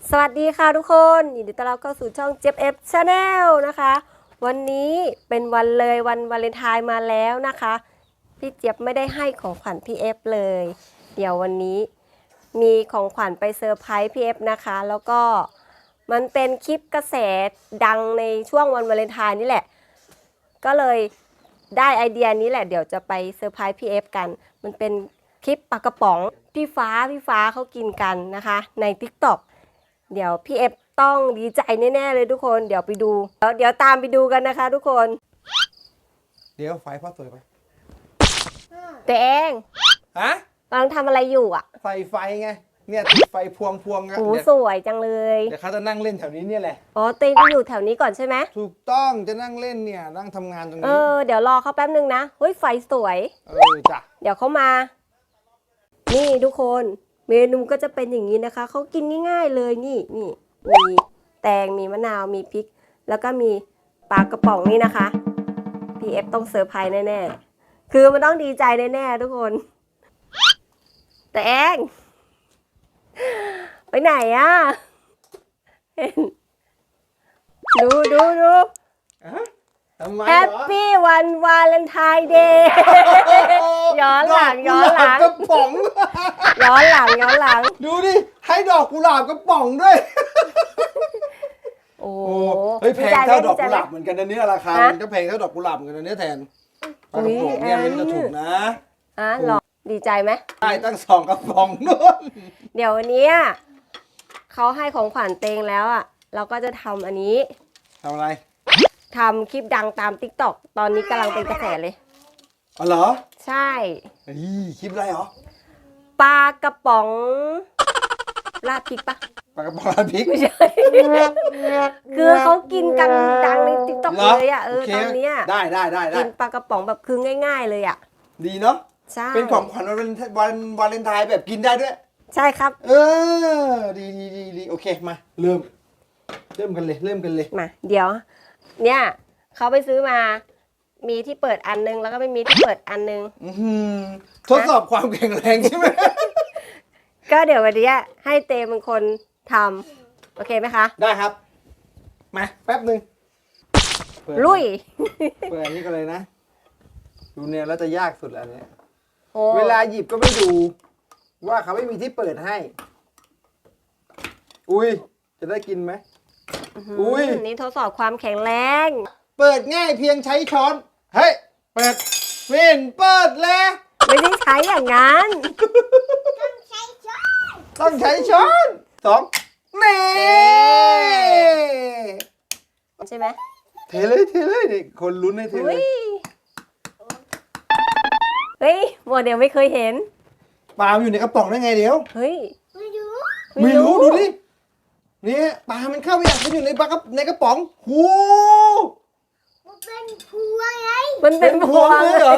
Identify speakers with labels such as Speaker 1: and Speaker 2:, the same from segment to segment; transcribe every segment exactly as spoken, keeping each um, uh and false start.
Speaker 1: สวัสดีค่ะทุกคนยินดีต้อนรับเข้าสู่ช่อง เจฟ เอฟ Channel นะคะวันนี้เป็นวันเลยวันวาเลนไทน์มาแล้วนะคะพี่เจี๊ยบไม่ได้ให้ของขวัญพี่เอฟเลยเดี๋ยววันนี้มีของขวัญไปเซอร์ไพรส์พี่เอฟนะคะแล้วก็มันเป็นคลิปกระแสดังในช่วงวันวาเลนไทน์นี่แหละก็เลยได้ไอเดียนี้แหละเดี๋ยวจะไปเซอร์ไพรส์พี่เอฟกันมันเป็นคลิปปลากระป๋องพี่ฟ้าพี่ฟ้าเขากินกันนะคะใน ติ๊กต็อก เดี๋ยวพี่เอฟต้องดีใจแน่ๆเลยทุกคนเดี๋ยวไปดูเดี๋ยวเดี๋ยวตามไปดูกันนะคะทุกคน
Speaker 2: เดี๋ยวไฟพ่อสวยไป
Speaker 1: ตัวเอง
Speaker 2: ฮะ
Speaker 1: กำลังทำอะไรอยู่อ่ะ
Speaker 2: ใส่ไฟไงเนี่ยติดไฟพวงพวงกัน
Speaker 1: โอ้สวยจังเลย
Speaker 2: เดี๋ยวเขาจะนั่งเล่นแถวนี้เนี่ยแหละ
Speaker 1: อ๋อตัวเองก็อยู่แถวนี้ก่อนใช่ไหม
Speaker 2: ถูกต้องจะนั่งเล่นเนี่ยนั่งทำงานตรง
Speaker 1: เอ
Speaker 2: นี้
Speaker 1: อเดี๋ยวรอเขาแป๊บนึงนะเฮ้ยไฟสวย
Speaker 2: เออจ้ะ
Speaker 1: เดี๋ยวเขามานี่ทุกคนเมนูก็จะเป็นอย่างนี้นะคะเขากินง่ายๆเลยนี่นี่มีแตงมีมะนาวมีพริกแล้วก็มีปลากระป๋องนี่นะคะพี่เอฟต้องเซอร์ไพรส์แน่ๆคือมันต้องดีใจแน่ๆทุกคนแต่เองไปไหนอ่ะเห็นดูดูดู
Speaker 2: ทำไม
Speaker 1: แฮปปี้วันวาเลนไทน์เดย์ย้อนหลังย้อนหลัง
Speaker 2: กระป๋อง
Speaker 1: ย้อนหลังย้อนหลัง
Speaker 2: ดูดิให้ดอกกุหลาบกระป๋องด้วย
Speaker 1: โอ้
Speaker 2: เฮ้ยแพงเท่าดอกกุหลาบเหมือนกันนะเนี่ยราคามันก็แพงเท่าดอกกุหลาบเหมือนกันนะเนี่ยแทนปลากระป๋องเนี่ยมันจะถูกนะ
Speaker 1: อ่ะหรอดีใจไหม
Speaker 2: ได้ตั้งสองกระป๋องนู่น
Speaker 1: เดี๋ยววันนี้เขาให้ของขวัญเตงแล้วอ่ะเราก็จะทำอันนี้
Speaker 2: ทำอะไร
Speaker 1: ทำคลิปดังตาม ติ๊กต็อก ตอนนี้กำลังเป็นกระแสเลย
Speaker 2: อ๋อเหรอ
Speaker 1: ใช่
Speaker 2: คลิปอะไรเหรอ
Speaker 1: ปลากระป๋องราดพริกปะ
Speaker 2: ปลากระป๋องราดพริก
Speaker 1: ไม่ใช่คือเขากินกันดังใน ติ๊กต็อก เลยอ่ะเออตอนนี้
Speaker 2: ได้ได้ได้
Speaker 1: กินปลากระป๋องแบบคือง่ายๆเลยอ่ะ
Speaker 2: ดีเนาะ
Speaker 1: ใช่
Speaker 2: เป็นของขวัญวันวันวาเลนไทน์แบบกินได้ด้วย
Speaker 1: ใช่ครับ
Speaker 2: เออดีดีดีดีโอเคมาเริ่มเริ่มกันเลยเริ่มกันเลย
Speaker 1: มาเดี๋ยวเนี่ยเขาไปซื้อมามีที่เปิดอันนึงแล้วก็ไม่มีที่เปิดอันนึง
Speaker 2: ทดสอบความแข็งแรงใช่ไหม
Speaker 1: ก็เดี๋ยววันนี้ให้เตเป็นคนทำโอเคไหมคะ
Speaker 2: ได้ครับมาแป๊บหนึ่ง
Speaker 1: ลุย
Speaker 2: เปิดอันนี้กันเลยนะดูเนี่ยแล้วจะยากสุดแล้วเนี่ยเวลาหยิบก็ไม่ดูว่าเขาไม่มีที่เปิดให้อุ้ยจะได้กินไหม
Speaker 1: อุ้ยนี่ทดสอบความแข็งแรง
Speaker 2: เปิดง่ายเพียงใช้ช้อนเฮ้ยเปิดเว้นเปิดแล้ว
Speaker 1: ไม่ได้ใช้อย่างนั้น
Speaker 2: ต้องใช้ช้อนต้องใช้ช้อนสองนี่
Speaker 1: ใช่ไหม
Speaker 2: เทเลยเทเลยนี่คนลุ้นให้เทเลย
Speaker 1: เฮ้ยโมเดลไม่เคยเห็น
Speaker 2: ปลาอยู่ในกระป๋องได้ไงเดี๋ยว
Speaker 1: เฮ้ย
Speaker 2: ไม่รู้ไม่รู้ดูดินี่ปลามันเข้าไปอยากมันอยู่ในปลากระในกระป๋องหู
Speaker 3: มันเป็นพวงไง
Speaker 1: มันเป็นพวง
Speaker 2: เลยเหรอ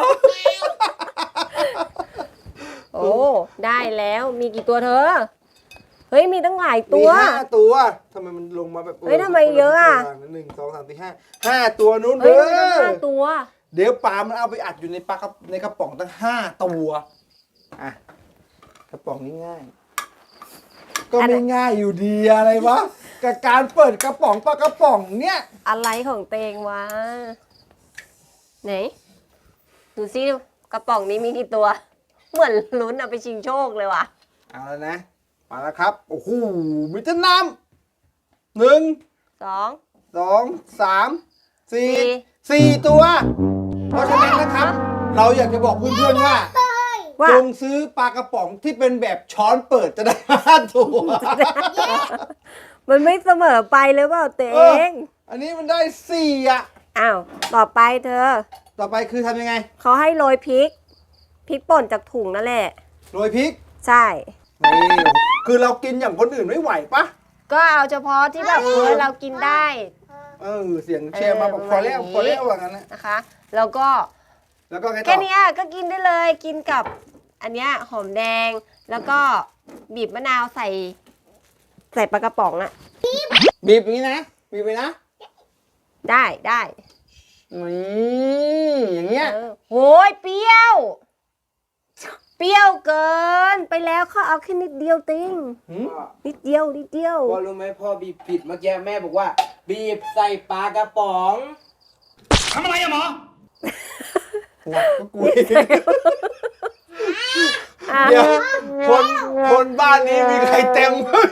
Speaker 1: โอ้ได้แล้วมีกี่ตัวเธอเฮ้ยมีตั้งหลายตัว
Speaker 2: มีห้าตัวทำไมมันลงมาแบบ
Speaker 1: เฮ้ยทำไมเยอะอ่ะ
Speaker 2: หนึ่งสองสามสี่ห้าห้าตัวนู้น
Speaker 1: เฮ้ยห้าตัว
Speaker 2: เดี๋ยวปลามันเอาไปอัดอยู่ในปลากระในกระป๋องตั้งห้าตัวอ่ะกระป๋องนี้ง่ายก็ไม่ง่ายอยู่ดีอะไรวะกับการเปิดกระป๋องปลากระป๋องเนี่ย
Speaker 1: อะไรของเตงวะไหนดูซิกระป๋องนี้มีกี่ตัวเหมือนลุ้นเอาไปชิงโชคเลยว่ะ
Speaker 2: เอาแล้วนะมาแล้วครับโอ้โหมีต้นน้ำหนึ่ง
Speaker 1: สอง
Speaker 2: สองสามสี่สี่ตัวเพราะฉะนั้นนะครับเราอยากจะบอกเพื่อนๆว่าจงซื้อปลากระป๋องที่เป็นแบบช้อนเปิดจะได้ห้าตัว
Speaker 1: มันไม่เสมอไปเลยเปล่าเตง
Speaker 2: อันนี้มันได้สี่อ่ะ
Speaker 1: อ้าวต่อไปเธอ
Speaker 2: ต่อไปคือทำยังไง
Speaker 1: เขาให้โรยพริกพริกป่นจากถุงนั่นแหละ
Speaker 2: โรยพริก
Speaker 1: ใช่
Speaker 2: นี่คือเรากินอย่างคนอื่นไม่ไหวปะ
Speaker 1: ก็เอาเฉพาะที่แบบเออเรากินได้
Speaker 2: เออเสียงเชียร์มาบอกพอแล้วพอแล้วว่างั้น
Speaker 1: นะคะแล้วก็
Speaker 2: แล้วก็ไงต่อ
Speaker 1: แค่นี้ก็กินได้เลยกินกับอันเนี้ยหอมแดงแล้วก็บีบมะนาวใส่ใส่ปลากระป๋องอะ
Speaker 2: บีบอย่างนี้นะบีบไปนะ
Speaker 1: ได้ได้
Speaker 2: นี่อย่างเงี้ย
Speaker 1: โอ้ยเปรี้ยวเปรี้ยวเกินไปแล้วเขาเอาแค่นิดเดียวติง
Speaker 2: หืม
Speaker 1: นิดเดียวนิดเดียว
Speaker 4: พ่อรู้ไหมพ่อบีบผิดเมื่อกี้แม่บอกว่า บีบใส่ปลากระป๋อง
Speaker 2: หนักก็กู
Speaker 1: อ่ะ
Speaker 2: เดี๋ยวคนคนบ้านนี้มีใครเต็ม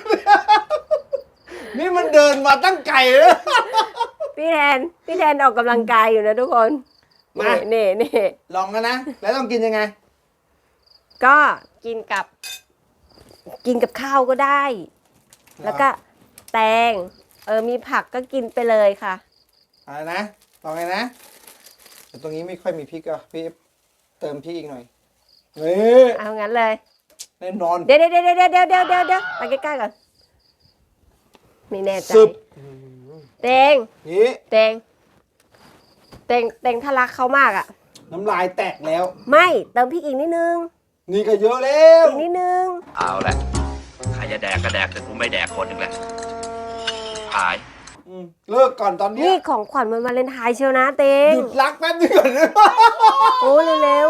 Speaker 2: นี่มันเดินมาตั้งไก่เลย
Speaker 1: พี่แทนพี่แทนออกกำลังกายอยู่นะทุกคน
Speaker 2: มา
Speaker 1: นี่นี่นี่
Speaker 2: ลองกันนะ แล้วต้องกินยังไง
Speaker 1: ก็กินกับ กินกับข้าวก็ได้ แล้วก็แตงเออมีผักก็กินไปเลยค่ะ
Speaker 2: อะไรนะลองไงนะแต่ตรงนี้ไม่ค่อยมีพริกอ่ะพี่เติมพริกอีกหน่อยนี่
Speaker 1: เอางั้นเลย
Speaker 2: แน่นอน
Speaker 1: เดี๋ยวเดี๋ยวเดี๋ยวเดี๋ยวเดี๋ยวเดี๋ยวเดี๋ยวเดี๋ยวไปใกล้ๆก่อนไม่แน่ใจ
Speaker 2: ซึบ
Speaker 1: แตง
Speaker 2: นี่
Speaker 1: แตงแตงแตงถ้ารักเขามากอ่ะ
Speaker 2: น้ำลายแตกแล้ว
Speaker 1: ไม่เติมพริกอีกนิดนึง
Speaker 2: นี่ก็เยอะแล้ว
Speaker 1: อีกนิดนึง
Speaker 5: เอาละใครจะแดกก็แดกแต่กูไม่แดกคนหนึ่งแหละหาย
Speaker 2: อืมเลิกก่อนตอนเนี้
Speaker 1: นี่
Speaker 2: ย
Speaker 1: ของขวัญวันวาเลนไทน์เชียวนะเตง
Speaker 2: หยุดรักแป๊บนึงก่อนนะ
Speaker 1: โอ้เร็ว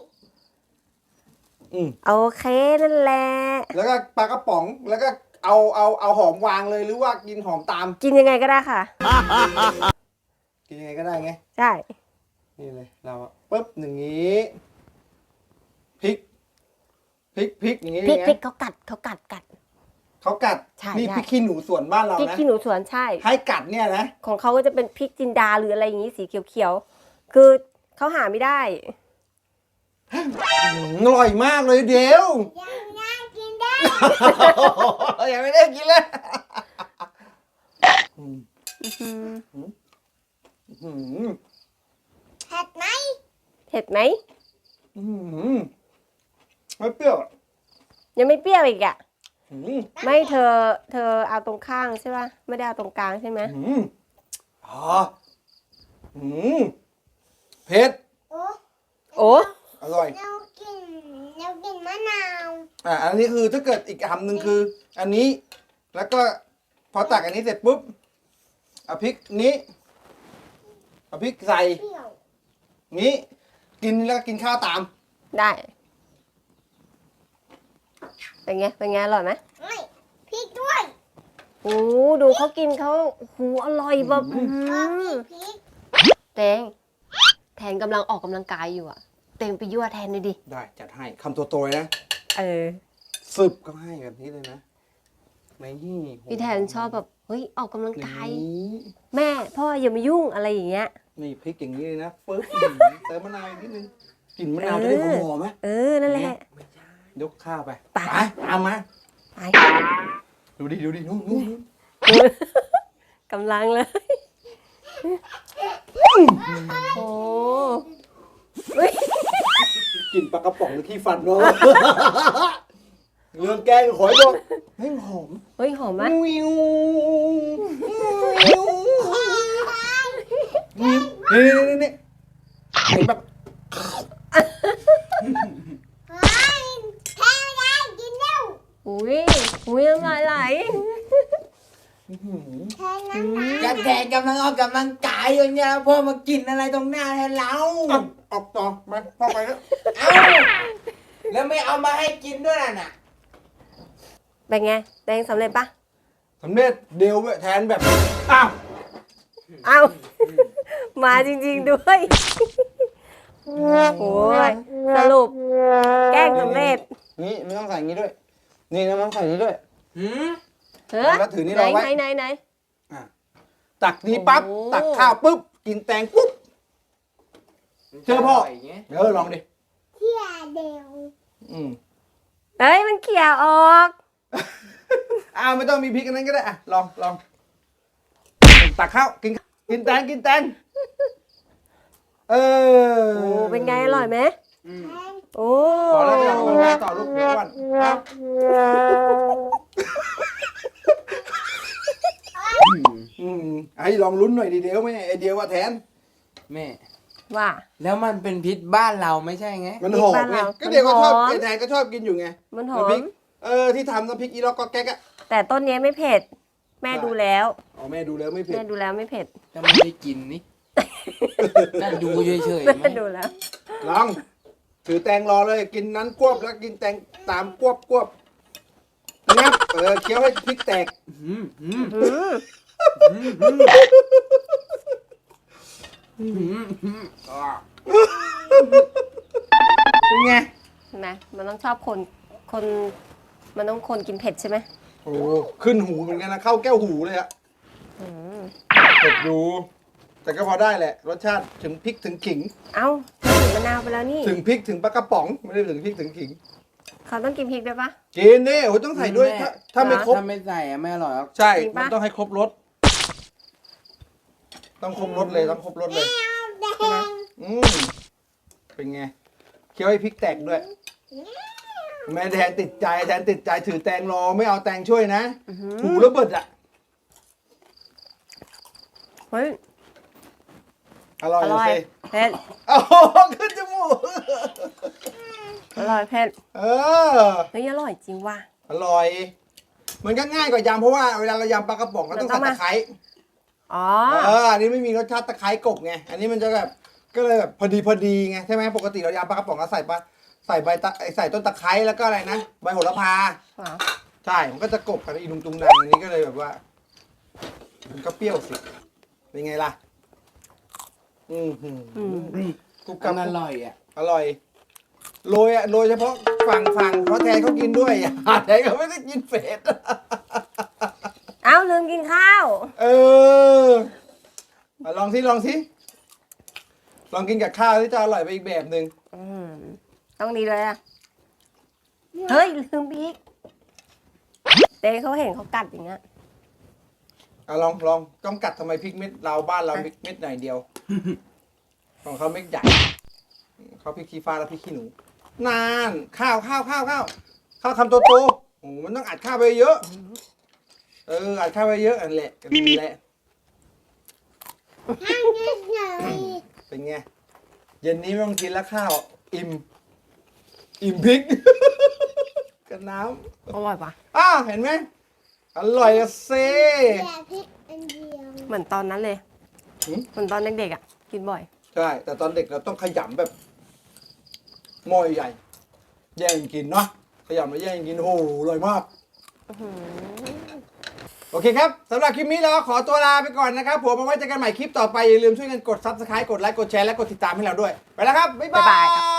Speaker 2: อืม
Speaker 1: ๆโอเคนั่นแหละ
Speaker 2: แล้วก็ปลากระป๋องแล้วก็เอาเอาเอาหอมวางเลยหรือว่ากินหอมตาม
Speaker 1: กินยังไงก็ได้ค่ะ
Speaker 2: กินยังไงก็ได้ไง
Speaker 1: ใช่
Speaker 2: นี่เลยเราอะปุ๊บอย่างนี้พริกพริกพริกอย่างนี้
Speaker 1: พริก
Speaker 2: ไง
Speaker 1: พริกเขากัดเขากัดกัด
Speaker 2: เขากัด
Speaker 1: ใช่
Speaker 2: นี่
Speaker 1: ใช่
Speaker 2: พริกขี้หนูสวนบ้านเรา
Speaker 1: พริก
Speaker 2: นะ
Speaker 1: ขี้หนูสวนใช่
Speaker 2: ให้กัดเนี่ยนะ
Speaker 1: ของเขาก็จะเป็นพริกจินดาหรืออะไรอย่างนี้สีเขียวๆ คือเขาหาไม่ได้
Speaker 2: อืมอร่อยมากเลยเดียว
Speaker 3: ยังน่ากินได้
Speaker 2: ยังไม่ได้กินเลยอืมอืม
Speaker 3: เผ็ดไหม
Speaker 1: เผ็ดไหม
Speaker 2: อืมไม่เปรี้ยวอะ
Speaker 1: ยังไม่เปรี้ยวอีกอ่ะ
Speaker 2: อืม
Speaker 1: ไม่เธอ เธอเอาตรงข้างใช่ป่ะ ไม่ได้เอาตรงกลางใช่ไหม
Speaker 2: อืมอ๋ออืมเผ็ด
Speaker 3: โอ้
Speaker 1: โอ้
Speaker 2: อร่อย
Speaker 3: เรากินเรากินมะนาว
Speaker 2: อ่ะอันนี้คือถ้าเกิดอีกคำหนึ่งคือ อันนี้ แล้วก็พอตักอันนี้เสร็จปุ๊บเอาพริกนี้เอาพริกใส่
Speaker 3: เปรี้ยว
Speaker 2: นี้ กินแล้วก็กินข้าวตาม
Speaker 1: ได้ เป็นไง เป็นไงอร่อยไหม
Speaker 3: ไม่พริกด้วย
Speaker 1: โอ้ดูเขากินเขาโอ้โหอร่อยแบบอื้อหื
Speaker 3: เออ
Speaker 1: อ
Speaker 3: พริก
Speaker 1: แตงแทนกำลังออกกำลังกายอยู่อ่ะเตงไปยั่วแทนเลยดิ
Speaker 2: ได้จัดให้คำตัวโตเลยนะ
Speaker 1: เออ
Speaker 2: ซึบก็ให้แบบนี้เลยนะไม่นี่
Speaker 1: พี่แทนชอบแบบ เฮ้ย ออกกำลังกาย
Speaker 2: นี่
Speaker 1: แม่พ่ออย่ามายุ่งอะไรอย่างเงี้ย
Speaker 2: นี่พริกอย่างนี้เลยนะปึ๊บเติมมะนาวอีกนิดนึงกลิ่นมะนาวจะได้หอมๆไหม
Speaker 1: เออ นั่นแหละ
Speaker 2: ยกข้าวไป
Speaker 1: ไป
Speaker 2: ตามมา
Speaker 1: ไป
Speaker 2: ดูดิดูดินู่นนู่นนู่น
Speaker 1: กำลังเลย โอ้เฮ้ย
Speaker 2: กลิ่นปลากระป๋องหรือขี้ฟันเนาะ เรื่องแกงขอยบอกให้หอม
Speaker 1: เฮ้ยหอมไหม
Speaker 2: วิววิวนี่นี่นี่นี่เห็นแบบ
Speaker 3: เฮ้ยแพ้ไม่ได้กินเร็ว
Speaker 1: อุ้ยอุ้ยน้ำลายไหล
Speaker 3: แพ้น้ำตา
Speaker 4: จะแทนกำลังออกกำลังกายอยู่เนี่ยพ่อมากินอะไรตรงหน้าแทนเรา
Speaker 2: ออกออกต่อมาเข้าไปแล้ว
Speaker 4: เอ้าแล้วไม่เอามาให้กินด้วยน่ะ
Speaker 1: เป็นไงแตงสำเร็จปะ
Speaker 2: สำเร็จเดียวแทนแบบอ้าว
Speaker 1: เอ้า มาจริงๆด้วยโอ้ยสรุป แกล้งสำเร็จ
Speaker 2: นี่ไม่ต้องใส่อย่างนี้ด้วย นี่ไม่ต้องใส่อย่างนี้ด้วย
Speaker 4: หืม
Speaker 1: เฮ้ย
Speaker 2: แล้วถือนี่
Speaker 1: ไหน
Speaker 2: รอไว้
Speaker 1: ไหนไหนไหน
Speaker 2: ตักนี้ปั๊บ
Speaker 1: โอ้
Speaker 2: ตักข้าวปุ๊บกินแตงปุ๊บ เจอพ่อ
Speaker 4: ร่ยไง
Speaker 2: เดี๋ยวลองดิ
Speaker 3: เที่ยเดียว
Speaker 2: อืม
Speaker 1: เฮ้ยมันเขี่ยออก
Speaker 2: อ้าวไม่ต้องมีพริกอันนั้นก็ได้อ่ะลองลองตักข้าวกินกินแตงกินแตงเออ
Speaker 1: โอ้เป็นไงอร่อยไหม
Speaker 4: อืม
Speaker 3: แพ้
Speaker 1: โอ้
Speaker 2: ขอแล้วไม่ต้องมาต่อลูกเดี๋ยวอ้วันอืมไอ้ลองลุ้นหน่อยดีเดียวไม่ไอเดียวว่าแทน
Speaker 4: แม่
Speaker 1: ว่า
Speaker 4: แล้วมันเป็นพิษบ้านเราไม่ใช่ไง
Speaker 2: มันหอม
Speaker 1: บ้าน
Speaker 2: ไง
Speaker 1: เรา
Speaker 2: ก็เดียวก็ชอบ
Speaker 1: มันหอม
Speaker 2: ไอแทนก็ชอบกินอยู่ไง
Speaker 1: มันหอ
Speaker 2: น้ำพริ
Speaker 1: ม
Speaker 2: กเออที่ทำน้ำพริกอีล็อกก็แก๊กอะ
Speaker 1: แต่ต้นนี้ไม่เผ็ด แม่ดูแล้ว
Speaker 2: อ๋อแม่ดูแล้วไม่เผ็ด
Speaker 1: แม่ดูแล้วไม่เผ็ด
Speaker 4: จะไม่ได้กินนี่ นั่นดูเฉยๆไหม
Speaker 1: แม่ดูแล้ว
Speaker 2: ลองถือแตงรอเลยกินนั้นกวบแล้วกินแตงตามกวบกวบนะครับเออเคี้ยวให้พริกแตก
Speaker 4: อืมอืม
Speaker 1: อืม
Speaker 4: อืมอืมอืมอ่ะ
Speaker 2: เป็นไง
Speaker 1: เห็นไหมมันต้องชอบคนคนมันต้องคนกินเผ็ดใช่ไหม
Speaker 2: โอ้ขึ้นหูเหมือนกันนะเข้าแก้วหูเลยอะ
Speaker 1: อืม
Speaker 2: เผ็ดดูแต่ก็พอได้แหละ รสชาติถึงพริกถึงขิง
Speaker 1: เอ้าถึงมะนาวไปแล้วนี่
Speaker 2: ถึงพริกถึงปลากระป๋องไม่ได้ถึงพริกถึงขิง
Speaker 1: เขาต้องกินพริกด้วยปะ
Speaker 2: กินดิโอ้ยต้องใส่ด้วยถ้าถ้าไม่ครบ
Speaker 4: ถ้าไม่ใส่อะไม่อร่อยหรอก
Speaker 2: ใช่
Speaker 1: จริงปะ
Speaker 2: มันต้องให้ครบรสต้องครบรสเลยต้องครบรสเลย
Speaker 3: แดง
Speaker 2: อืมเป็นไงเคี้ยวให้พริกแตกด้วย แม่แทนติดใจแทนติดใจถือแตงรอไม่เอาแตงช่วยนะ
Speaker 1: อื้อหือ
Speaker 2: หูระเบิดอ่ะ
Speaker 1: เฮ้ย
Speaker 2: อร่อย
Speaker 1: อร่อย
Speaker 2: สิ
Speaker 1: เผ็ด
Speaker 2: โอ้โหขึ้นจมูก
Speaker 1: อร่อยเผ็ด
Speaker 2: เออ
Speaker 1: เฮ้ยอร่อยจริงว่ะ
Speaker 2: อร่อย มันก็ง่ายกว่ายำเพราะว่าเวลาเรายำปลากระป๋องเราต้อง
Speaker 1: มันต้
Speaker 2: ใส่
Speaker 1: องมา
Speaker 2: ตะไคร้
Speaker 1: อ๋อ
Speaker 2: เอออันนี้ไม่มีรสชาติตะไคร้กบไงอันนี้มันจะแบบก็เลยแบบพอดีพอดีไงใช่ไหมปกติเรายำปลากระป๋องเราใส่ปลาใส่ใบตะใส่ต้นตะไคร้แล้วก็อะไรนะใบโหระพา
Speaker 1: เหรอ
Speaker 2: ใช่ มันก็จะกบกันอีลุงตุงนางอันนี้ก็เลยแบบว่า มันก็เปรี้ยวสิ เป็นไงล่ะ อืมหืม
Speaker 1: อืม
Speaker 2: กรุบก
Speaker 4: กั
Speaker 2: รั
Speaker 4: น
Speaker 2: บ
Speaker 4: อร่อยอ่ะ
Speaker 2: อร่อย โรยอะโรยเฉพาะฝั่งฝั่งเพราะแทนเขากินด้วย อ่ะแทนเขาไม่ได้กินเฟส
Speaker 1: เอ้าลืมกินข้าว
Speaker 2: เออมาลองสิลองสิลองกินกับข้าวที่จะอร่อยไปอีกแบบหนึ่ง
Speaker 1: อืมต้องดีเลยอะเฮ้ยลืมพริกเต้เขาเห็นเขากัดอย่างเงี้ย
Speaker 2: อ่ะลองลองต้องกัดทำไมพริกเม็ดเราบ้านเราพริกเม็ดหน่อยเดียว ของเขาเม็ดใหญ่เขาพริกขี้ฟ้าแล้วพริกขี้หนู นานข้าวข้าวข้าวข้าวข้าวคำโตโตโอ้โหมันต้องอัดข้าวไปเยอะ เอออัดข้าวไปเยอะอันแหละอันแหละ
Speaker 3: ๆห้างนิดหน่อย
Speaker 2: เป็นไงเย็นนี้ไม่ต้องกินแล้วข้าว อิ่มอิ่มพริก กับน้
Speaker 1: อร่อยปะ
Speaker 2: ำอ้าวเห็นไหมอร่อยอะเซ่
Speaker 3: แค่พริกอันเดียว
Speaker 1: เหมือนตอนนั้นเลย
Speaker 2: หืม
Speaker 1: เหมือนตอนเด็กๆอ่ะ กินบ่อย
Speaker 2: ใช่แต่ตอนเด็กเราต้องขยำแบบหม้อใหญ่แย่งกินเนาะขยำแล้วแย่งกินโอ้โหอร่อยมาก
Speaker 1: อื้อหือ
Speaker 2: โอเคครับสำหรับคลิปนี้เราขอตัวลาไปก่อนนะครับผมเอาไว้เจอกันใหม่คลิปต่อไป อย่าลืมช่วยกันกด ซับสไครบ์ กดไลค์ กดแชร์ และกดติดตามให้เราด้วย ไปแล้วครับ บ๊ายบา
Speaker 1: บ๊ายบายครับ
Speaker 2: ย